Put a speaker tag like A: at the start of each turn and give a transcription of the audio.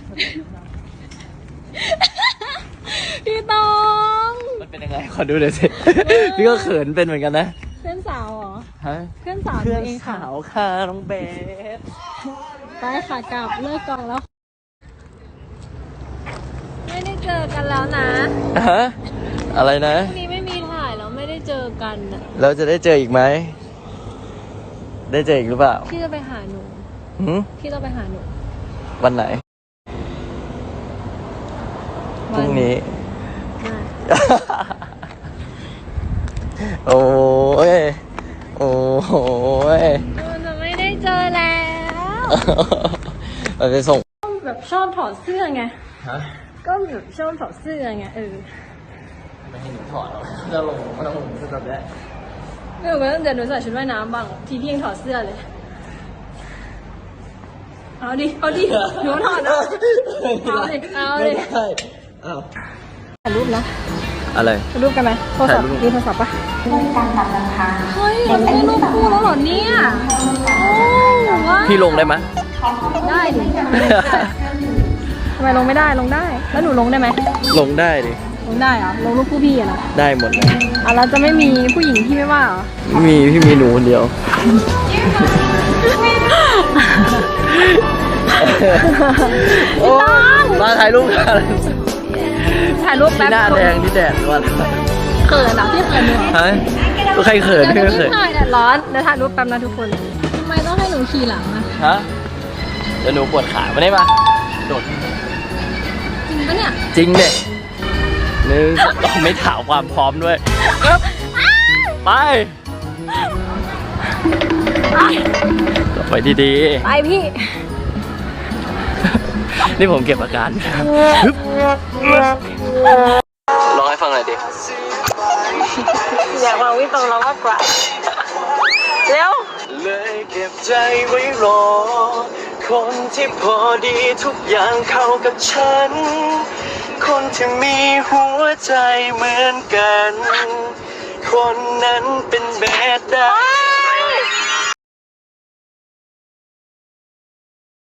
A: พี่ตอง
B: มันเป็นยังไงขอดูหน่อยสิ พี่ก็เขินเป็นเหมือนกันนะ
A: เพื่อนสาวเหรอ
B: ฮะ
A: เพื่อนสาว
B: เพื่อน
A: เองค่ะ
B: สาวค่ะน้องเบส
A: ไปค่ะกลับเลิกกองแล้ว ไม่ได้เจอกันแล้วนะ
B: ฮะอะไรนะ
A: พรุ่งนี้ไม่มีถ่ายแล้วไม่ได้เจอกันอะ
B: เราจะได้เจออีกไหมได้เจออีกหรือเปล่า
A: พี่จะไปหาหนู
B: หืม
A: พี่ต้องไปหาหนู
B: วันไหนพรุ่งนี้ โอ้ยโอ้ย
A: มันจะไม่ได้เจอแล้ว
B: เราจะส่ง
A: ก็แบบชอบถอดเสื้อไง
B: ฮะ
A: ก็แบบชอบถอดเสื้อไง
B: ไม่ให้หนูถอดหรอกจะลงก็ต้องลงชุดแบบนี้
A: ไม่รู้ว่าเดี๋ยวหนูใส่ชุดว่ายน้ำบ้างทีพี่ยังถอดเสื้อเลย เอาดิหนูถอดเอาดิ
B: ไม่ได้อ้าว
A: ถ่ายรูปนะ
B: อะไร
A: ถ่ายรูปกันไหมโทรศัพท์
B: ถ่ายรูป
A: มีโทรศัพท์ปะเฮ้ยเราจะได้รูปคู่แล้วเหรอเนี่ยโอ้ว้าว
B: พี่ลงได้ไหม
A: ได้ดิทำไมลงไม่ได้ลงได้ แล้วหนูลงได้ไหม
B: ลงได้ดิ
A: ลงได้เหรอลงรูปคู่พี่อะนะ
B: ได้หมดเลย
A: เราจะไม่มีผู้หญิงที่ไม่ว่าเหรอ
B: พี่มีหนูคนเดียวโอ้มาถ่ายรูปกัน
A: ถ่ายรูป
B: ที่
A: แป๊บ
B: หน้าแดงที่แดดร้อน
A: เขินอ่ะพี่เขินเนี่ย
B: ฮะก็ใครเขิน
A: เดี๋ยว
B: ไม่
A: จะ
B: เขิ
A: รี
B: น
A: บถ่ายแดดร้อนเดี๋ยวถ่ายรูปแป๊บนะทุกคนทำไมต้องให้หนูขี่หลังอะ
B: ฮะเดี๋ยวหนูปวดขาไม่ได้ปะโดด
A: จริงปะเนี่ย
B: จริงเด็นึงต้องไม่ถามความพร้อมด้วยครับไปไปดี
A: ไปพี่
B: ๆนี่ผมเก็บอาการฮึบร้องให้ฟังหน่อยดิ
A: อยากมาวิ่งตรงเรามากกว่าเร็ว
B: เลยเก็บใจไว้รอ คนที่พอดีทุกอย่างเข้ากับฉัน คนที่มีหัวใจเหมือนกัน คนนั้นเป็นแบบใด